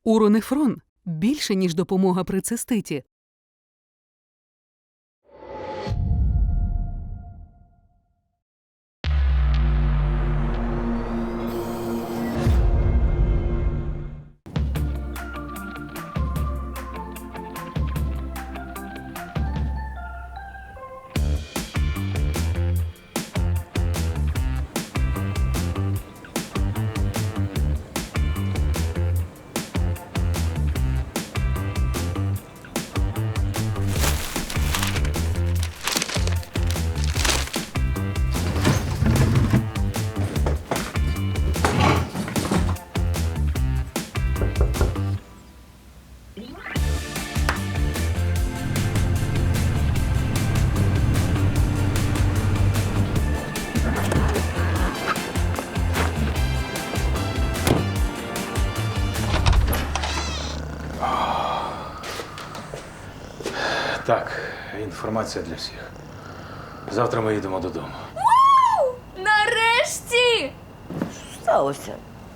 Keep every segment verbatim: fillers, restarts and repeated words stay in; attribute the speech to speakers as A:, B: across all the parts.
A: Уронефрон – більше, ніж допомога при циститі.
B: Так, інформація для всіх. Завтра ми їдемо додому.
C: Вау! Нарешті!
D: Що сталося?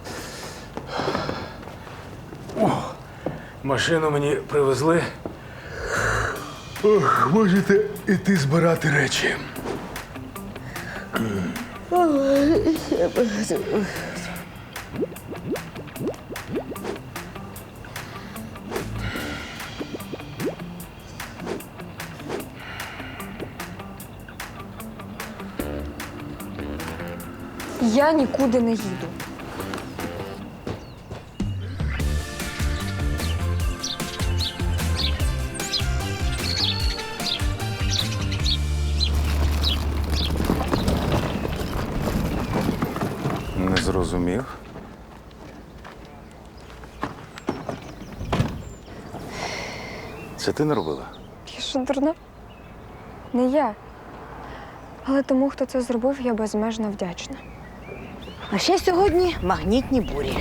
B: О, машину мені привезли. Ох, можете іти збирати речі.
C: Я нікуди не їду.
B: Не зрозумів. Це ти не робила?
C: Я що, дурна? Не я. Але тому, хто це зробив, я безмежно вдячна.
D: А ще сьогодні магнітні бурі.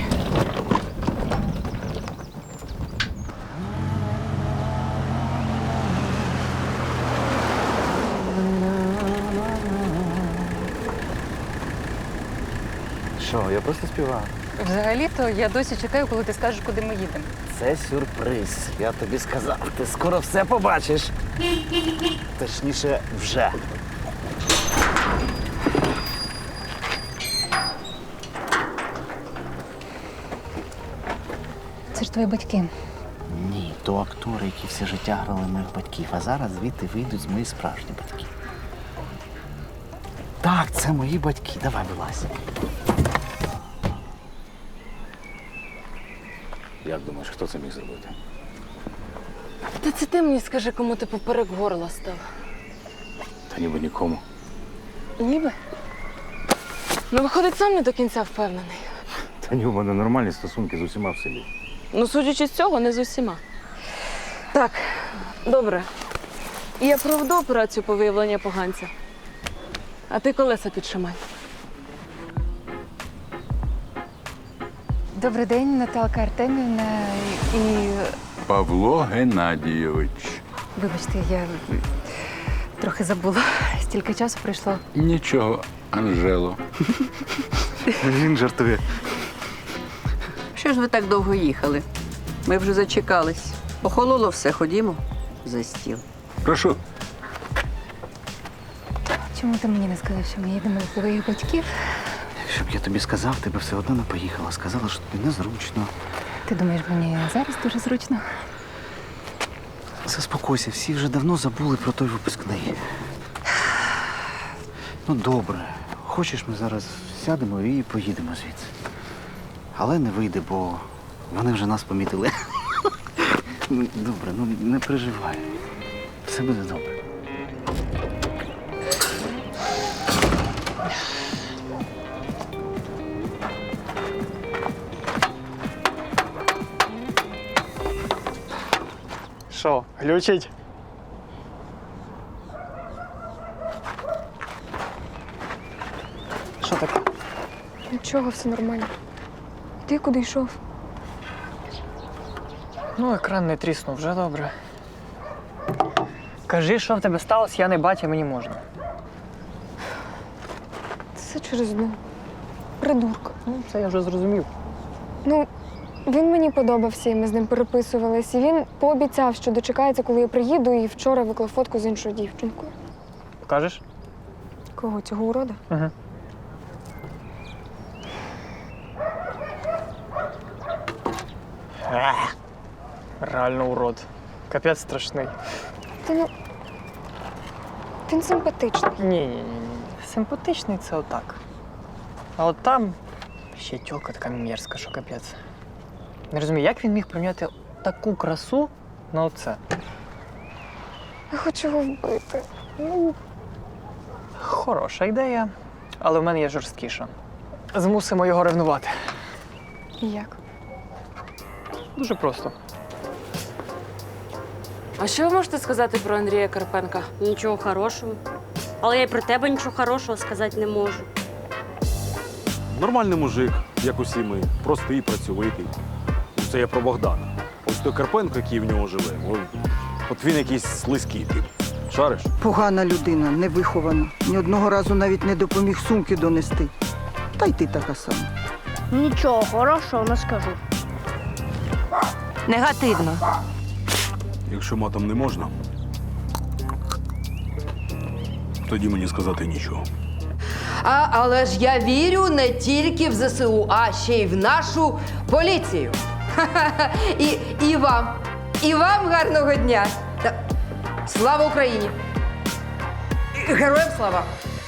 E: Що, я просто співаю.
F: Взагалі-то я досі чекаю, коли ти скажеш, куди ми їдемо.
E: Це сюрприз. Я тобі сказав, ти скоро все побачиш. Точніше, вже.
F: Це ж твої батьки.
E: Ні, то актори, які все життя грали моїх батьків, а зараз звідти вийдуть мої справжні батьки. Так, це мої батьки. Давай, вилазь.
B: Як думаєш, хто це міг зробити?
F: Та це ти мені скажи, кому ти поперек горла став.
B: Та ніби нікому.
F: Ніби? Ну, виходить, сам не до кінця впевнений.
B: Та ні, у мене нормальні стосунки з усіма в селі.
F: Ну, судячи з цього, не з усіма. Так, добре. Я проведу операцію по виявленню поганця. А ти колеса підшимай.
G: Добрий день, Наталка Артемівна. І
H: Павло Геннадійович.
G: вибачте, я трохи забула. Стільки часу пройшло.
H: Нічого, Анжело.
E: Він жартує.
I: Що ж ви так довго їхали? Ми вже зачекались. Охололо все, ходімо за стіл.
H: Прошу.
G: Чому ти мені не сказав, що ми їдемо до твоїх батьків?
E: Якщо б я тобі сказав, ти б все одно не поїхала. Сказала, що тобі незручно.
G: Ти думаєш, мені зараз дуже зручно?
E: Заспокойся, всі вже давно забули про той випускний. Ну, добре. Хочеш, ми зараз сядемо і поїдемо звідси. Але не вийде, бо вони вже нас помітили. Ну, добре, ну не переживай. Все буде добре.
J: Що, глючить? Що таке?
C: Нічого, все нормально. Ти куди йшов?
J: Ну, екран не тріснув, вже добре. Кажи, що в тебе сталося, я не батя, мені можна.
C: Це через одну придурка.
J: Ну, це я вже зрозумів.
C: Ну, Він мені подобався, і ми з ним переписувались. І він пообіцяв, що дочекається, коли я приїду, і вчора виклав фотку з іншою дівчинкою.
J: Покажеш?
C: Кого, цього урода?
J: Угу. Ех, реально урод. Капець страшний.
C: Та ну. Він симпатичний.
J: Ні, ні, ні, ні. Симпатичний це отак. А от там ще тьолка така мерзка, що капець. Не розумію, як він міг прийняти таку красу на оце?
C: Я хочу його вбити. Ну,
J: Хороша ідея, але в мене є жорсткіша. Змусимо його ревнувати.
C: як?
J: Дуже просто.
F: А що ви можете сказати про Андрія Карпенка?
K: Нічого хорошого. Але я й про тебе нічого хорошого сказати не можу.
L: Нормальний мужик, як усі ми, простий, працьовитий. Це я про Богдана. Ось той Карпенко, який в нього живе, от, от він якийсь слизький тип. Шариш?
M: Погана людина, невихована. Ні одного разу навіть не допоміг сумки донести. Та й ти така сама.
K: Нічого хорошого не скажу.
D: Негативно.
L: Якщо матом не можна, тоді мені сказати нічого.
I: А, але ж я вірю не тільки в ЗСУ, а ще й в нашу поліцію. Ха-ха-ха. І, і вам. І вам гарного дня. Та... Слава Україні! І Героям слава!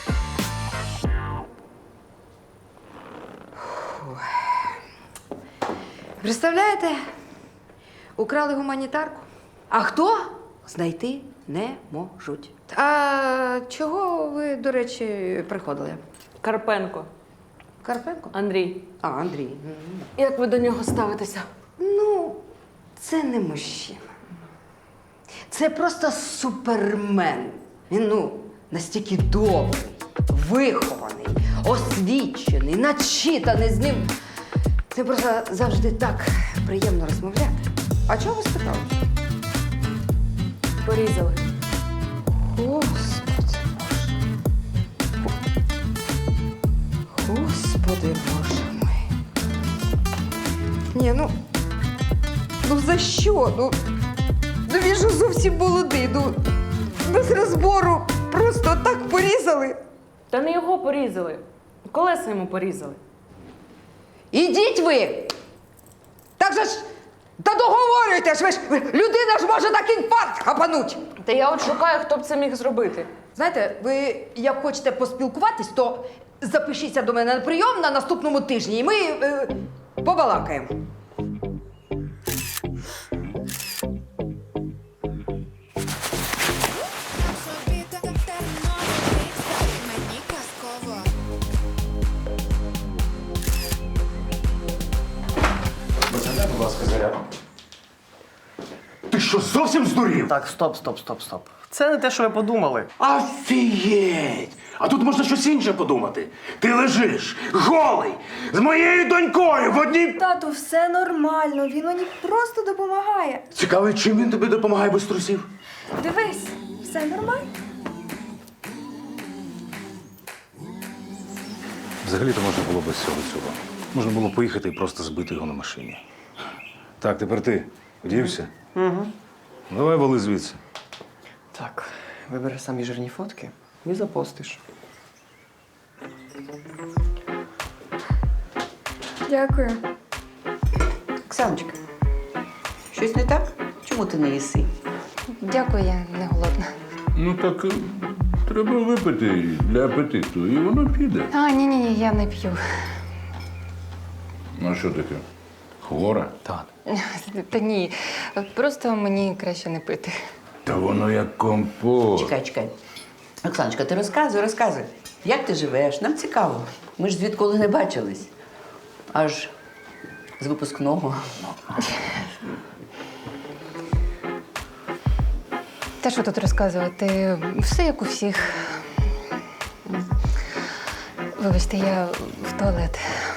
I: Фу. Представляєте? Украли гуманітарку. А хто? Знайти не можуть. А чого ви, до речі, приходили?
F: Карпенко.
I: Карпенко?
F: Андрій.
I: А, Андрій.
F: Як ви до нього ставитеся?
I: Ну, це не мужчина. Це просто супермен. Він, ну, настільки добрий, вихований, освічений, начитаний з ним. Це просто завжди так приємно розмовляти. А чого ви спитали?
F: Порізали.
I: Господи Боже. Господи Боже мой. Ні, ну. Ну за що? Ну, ну він же зовсім молодий. Ну, без розбору просто так порізали.
F: Та не його порізали. Колеса йому порізали.
I: Ідіть ви! Так же ж. Та договорюйте ж ви ж! Людина ж може так інфаркт хапануть!
F: Та я от шукаю, хто б це міг зробити.
I: Знаєте, ви як хочете поспілкуватись, то запишіться до мене на прийом на наступному тижні, і ми е, побалакаємо.
B: Бажання, будь ласка, зарядку.
E: Ти що, зовсім здурів?
J: Так, стоп, стоп, стоп, стоп. Це не те, що ви подумали.
E: Офігеть! А тут можна щось інше подумати. Ти лежиш, голий, з моєю донькою в одній...
C: Тату, все нормально. Він мені просто допомагає.
E: Цікаво, чим він тобі допомагає без трусів?
C: Дивись, все нормально.
B: Взагалі-то можна було без цього цього. Можна було поїхати і просто збити його на машині. Так, тепер ти одівся?
J: Угу.
B: Давай вали звідси.
J: Так, вибери самі жирні фотки і запостиш.
C: Дякую.
I: Оксаночка, щось не так? Чому ти не їси?
G: Дякую, я не голодна.
H: Ну так е, треба випити для апетиту, і воно піде.
G: А, ні, ні, ні, я не п'ю.
H: Ну що таке? Хвора?
B: Так.
G: Та ні, просто мені краще не пити.
H: Та воно як компот.
I: Чекай, чекай. Оксаночка, ти розказуй, розказуй. Як ти живеш? Нам цікаво. Ми ж звідколи не бачились. Аж з випускного.
G: Та що тут розказувати? Все як у всіх. Вибачте, я в туалет.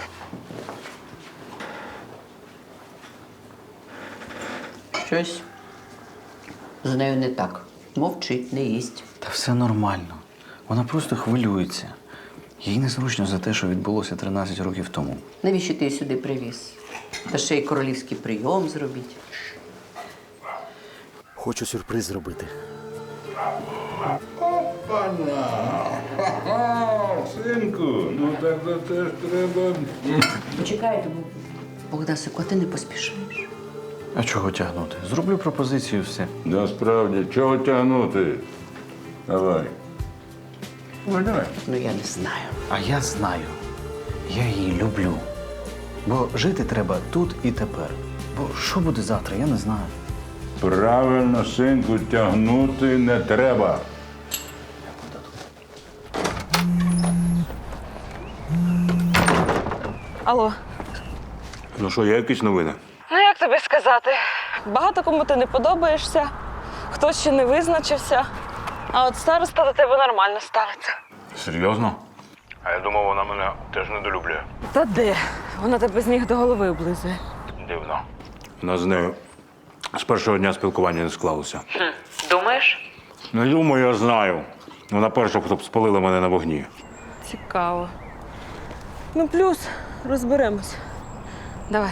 I: Щось з нею не так. Мовчить, не їсть.
E: Та все нормально. Вона просто хвилюється. Їй незручно за те, що відбулося тринадцять років тому.
I: Навіщо ти її сюди привіз?
D: Та ще й королівський прийом зробіть.
E: Хочу сюрприз зробити.
H: Синку, ну так то теж треба.
D: Почекайте, Богдасику, а ти не поспішаєш.
E: А чого тягнути? Зроблю пропозицію, все.
H: Насправді, чого тягнути? Давай. Ой, давай.
D: Ну я не знаю.
E: А я знаю. Я її люблю. Бо жити треба тут і тепер. Бо що буде завтра, я не знаю.
H: Правильно, синку, тягнути не треба.
F: Алло.
L: Ну що, є якісь новини?
F: Ну як тобі сказати? Багато кому ти не подобаєшся, хтось ще не визначився, а от староста до тебе нормально ставиться.
L: Серйозно? А я думав, вона мене теж недолюблює.
F: Та де? Вона тебе з ніг до голови облизує.
L: Дивно. У нас з нею з першого дня спілкування не склалося.
F: Думаєш?
L: Не думаю, я знаю. Вона перша, хто б спалила мене на вогні.
F: Цікаво. Ну, плюс розберемось. Давай.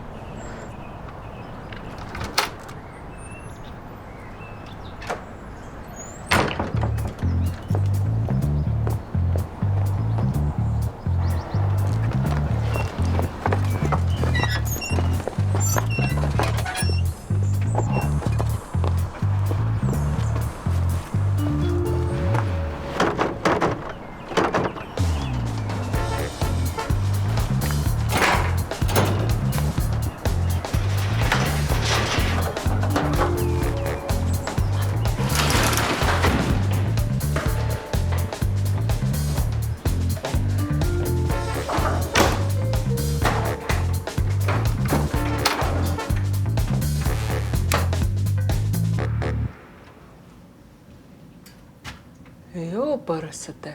F: Йо, пересете.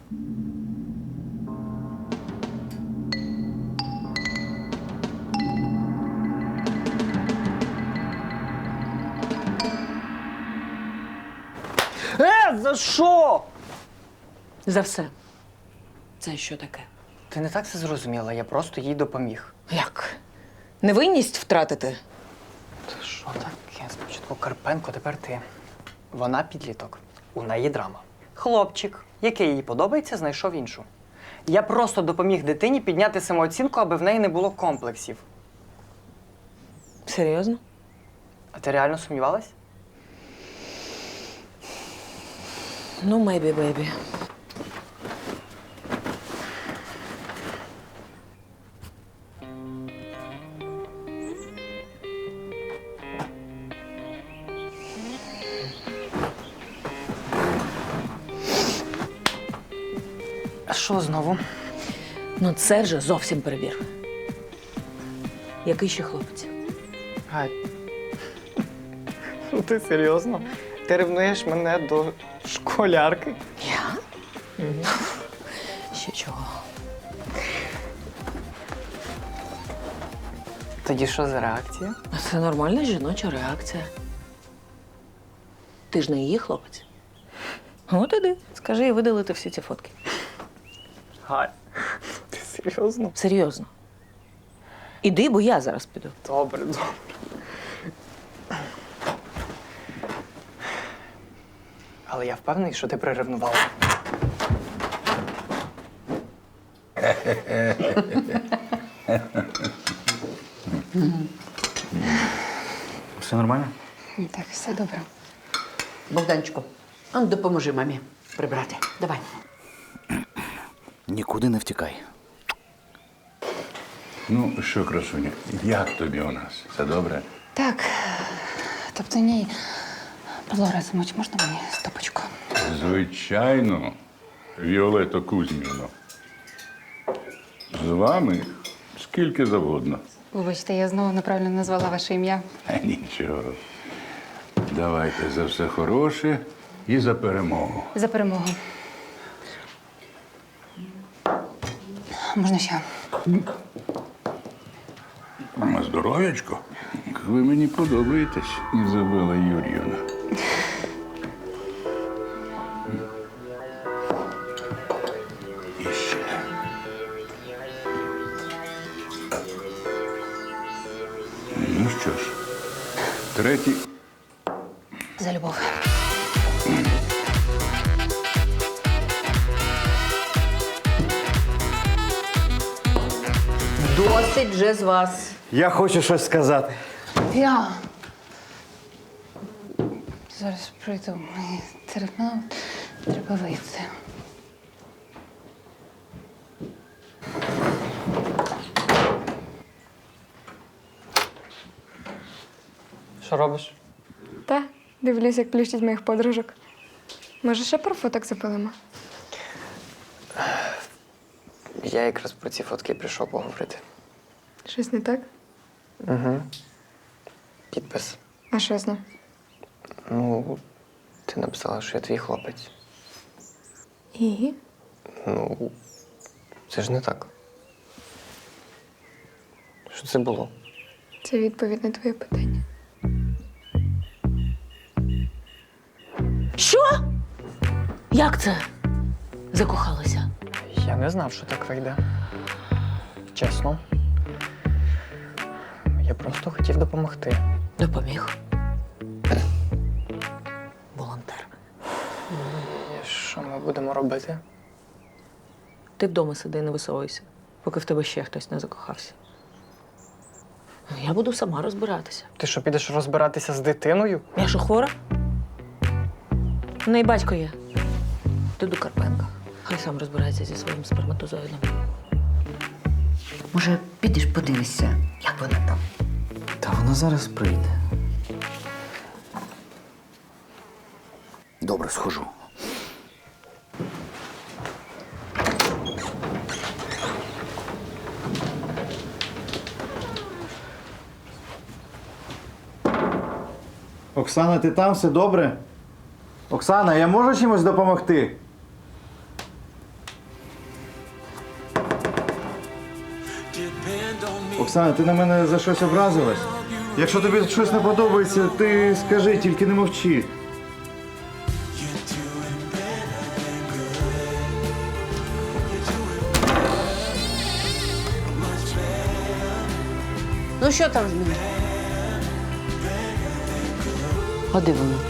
J: Е, за що?
F: За все. Це що таке?
J: Ти не так це зрозуміла, я просто їй допоміг.
F: Як? Невинність втратити?
J: Та що таке? Спочатку Карпенко, тепер ти. Вона підліток. У неї драма. Хлопчик, який їй подобається, знайшов іншу. Я просто допоміг дитині підняти самооцінку, аби в неї не було комплексів.
F: Серйозно?
J: А ти реально сумнівалась?
F: Ну, maybe, baby.
J: А що знову?
F: Ну, це вже зовсім перебір. Який ще хлопець?
J: Гай. Ну ти серйозно? Ти ревнуєш мене до школярки?
F: Я? Угу. Ще чого?
J: Тоді що за реакція?
F: Це нормальна жіноча реакція. Ти ж не її хлопець. От іди, скажи і видалити всі ці фотки.
J: Гай. Ти серйозно?
F: Серйозно. Іди, бо я зараз піду.
J: Добре, добре. Але я впевнений, що ти приревнувала.
E: Все нормально?
G: Так, все добре.
D: Богданчику, а ну допоможи мамі прибрати. Давай.
E: Нікуди не втікай.
H: Ну що, красуня, як тобі у нас? Все добре?
G: Так. Тобто ні. Павло Разумович, можна мені стопочку?
H: Звичайно, Віолетто Кузьмівно. З вами скільки завгодно.
G: Вибачте, я знову неправильно назвала ваше ім'я.
H: А нічого. Давайте за все хороше і за перемогу.
G: За перемогу. Можна ще?
H: На здоров'ячко. Ви мені подобаєтесь, Ізабела Юріївна. І ще. Третій.
G: За любов.
D: Досить вже з вас.
E: Я хочу щось сказати.
G: Я. Зараз прийду. Мені терміново треба вийти.
J: Що робиш?
C: Та, дивлюсь, як плющить моїх подружок. Може, ще про фоток запилимо?
J: Я якраз про ці фотки прийшов поговорити.
C: Щось не так?
J: Угу. Підпис.
C: А що з ним?
J: Ну, ти написала, що я твій хлопець.
C: І?
J: Ну, це ж не так. Що це було?
C: Це відповідь на твоє питання.
G: Що? Як це? Закохалася?
J: Я не знав, що так вийде. Чесно. Я просто хотів допомогти.
G: Допоміг. Волонтер.
J: І що ми будемо робити?
F: Ти вдома сиди і не висовуйся, поки в тебе ще хтось не закохався.
G: Я буду сама розбиратися.
J: Ти що, підеш розбиратися з дитиною?
F: Я що, хвора? У неї батько є. Ти до Карпенка. Хай сам розбирається зі своїм сперматозоїдом.
D: Може, підеш подивишся, як вона там?
E: Та вона зараз прийде. Добре, схожу.
N: Оксана, ти там? Все добре? Оксана, я можу чимось допомогти? Оксана, ти на мене за щось образилась? Якщо тобі щось не подобається, ти скажи, тільки не мовчи.
D: Ну що там з ним?
F: А де воно?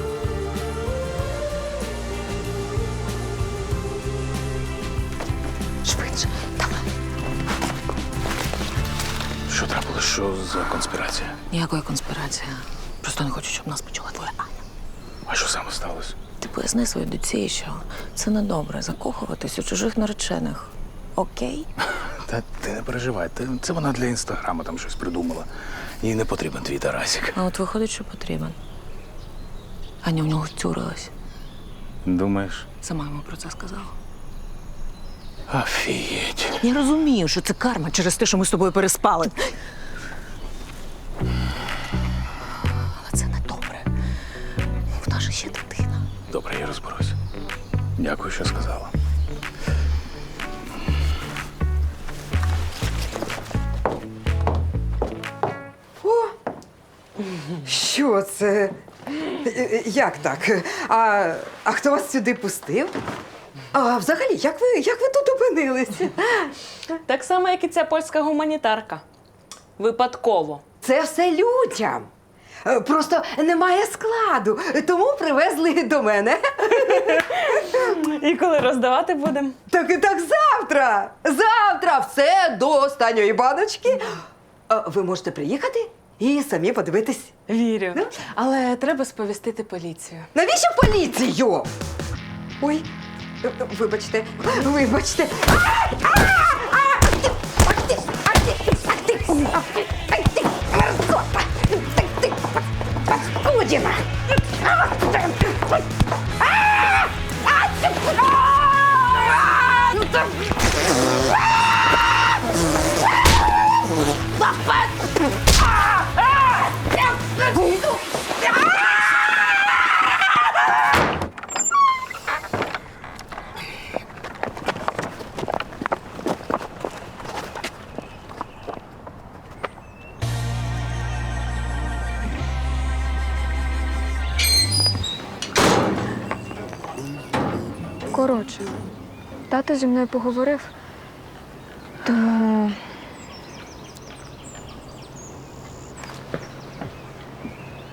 A: Швидше, давай.
B: Що трапилось? Що за конспірація?
G: Ніякої конспірації. Просто не хочу, щоб нас почула твоя Аня.
B: А що саме сталося?
G: Ти поясни своїй доці, що це недобре закохуватись у чужих наречених. Окей?
B: Та ти не переживай, ти- це вона для інстаграму там щось придумала. Їй не потрібен твій Тарасик.
G: А от виходить, що потрібен. Аня в нього втюрилась.
B: Думаєш?
G: Сама йому про це сказала.
B: Офігеть.
G: Я розумію, що це карма через те, що ми з тобою переспали. Але це не добре. В нас же ще дитина.
B: Добре, я розберусь. Дякую, що сказала.
I: Що це? Як так? А, а хто вас сюди пустив? А взагалі, як ви, як ви тут опинилися?
F: Так само, як і ця польська гуманітарка. Випадково.
I: Це все людям. Е, Просто немає складу, тому привезли до мене.
F: І коли роздавати будемо?
I: Так, так завтра! Завтра все до останньої баночки. Е, Ви можете приїхати і самі подивитись.
F: Вірю. Але треба сповістити поліцію.
I: Навіщо поліцію? Ой, е, е, вибачте, вибачте. Ай! А! А! Ах ти! Ах ти! Ах ти! Ах ти! Ах ти! Мерзота! Ах ти! Паскудіна! А! А! А!
C: Коротше, тато зі мною поговорив, тому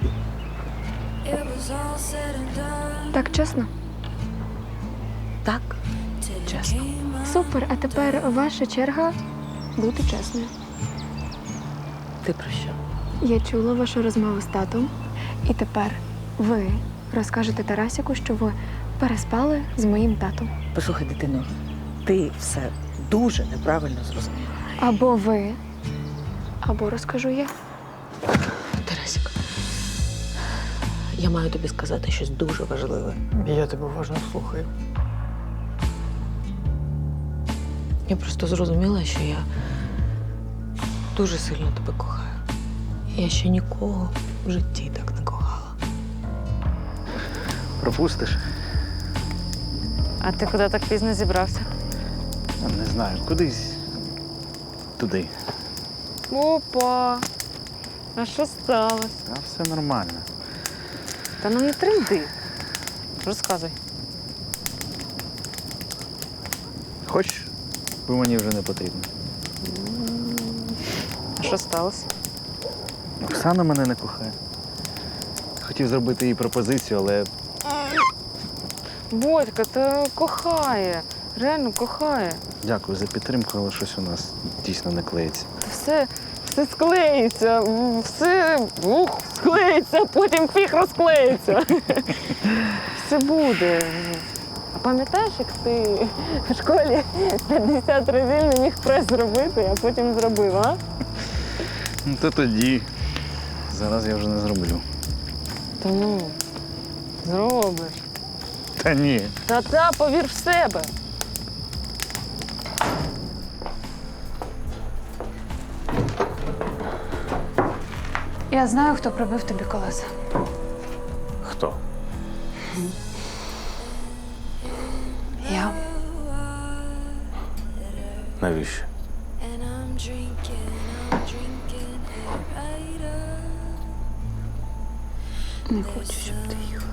C: Так чесно?
F: Так, чесно.
C: Супер, а тепер ваша черга бути чесною.
F: Ти про що?
C: Я чула вашу розмову з татом, і тепер ви розкажете Тарасику, що ви переспали з моїм татом.
O: Послухай, дитино, ти все дуже неправильно зрозуміла.
C: Або ви, або розкажу я.
O: Тарасик, я маю тобі сказати щось дуже важливе.
J: Я тебе уважно слухаю.
O: Я просто зрозуміла, що я дуже сильно тебе кохаю. Я ще нікого в житті так не кохала.
E: Пропустиш?
F: А ти куди так пізно зібрався?
E: Не знаю, кудись туди.
F: Опа! А що сталося?
E: А все нормально.
F: Та ну не тренди. Розказуй.
E: Хочеш, бо мені вже не потрібно.
F: А що сталося?
E: Оксана мене не кохає. Хотів зробити їй пропозицію, але
F: Бодька, та кохає. Реально кохає.
E: дякую за підтримку, але щось у нас дійсно не клеїться.
F: Все, все склеїться, все ух, склеїться, потім фіг розклеїться. Все буде. А пам'ятаєш, як ти в школі п'ятдесят разів не міг прес зробити, а потім зробив, а?
E: Ну, то тоді. Зараз я вже не зроблю.
F: Та ну, зробиш.
E: Та ні.
F: Та-та, повір в себе.
G: Я знаю, хто пробив тобі колеса.
E: Хто?
G: Я.
B: Навіщо?
G: Не хочу, щоб ти їхав.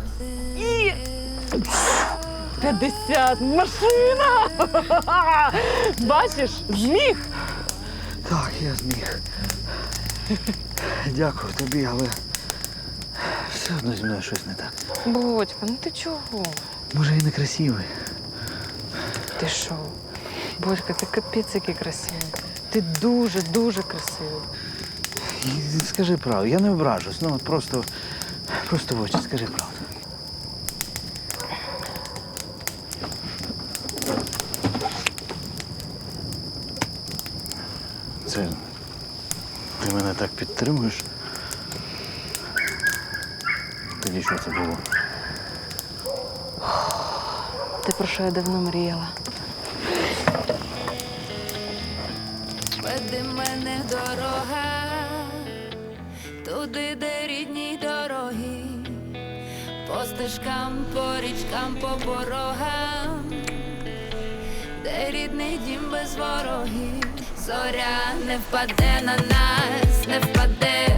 F: п'ятдесят, машина! Бачиш, зміг.
E: Так, я зміг. Дякую тобі, але все одно зі мною щось не так.
F: Бодька, ну ти чого?
E: Може, і не красивий.
F: Ти що? Бодька, ти капець який красивий. Ти дуже-дуже красивий.
E: І скажи правду, я не ображусь, ну от просто, просто в очі скажи правду. Це ти мене так підтримуєш? Тоді що це було?
F: Те, про що я давно мріяла.
P: Веди мене дорога, туди, де рідні дороги, по стежкам, по річкам, по порогам, де рідний дім без ворогів. Зоря не впаде на нас, не впаде.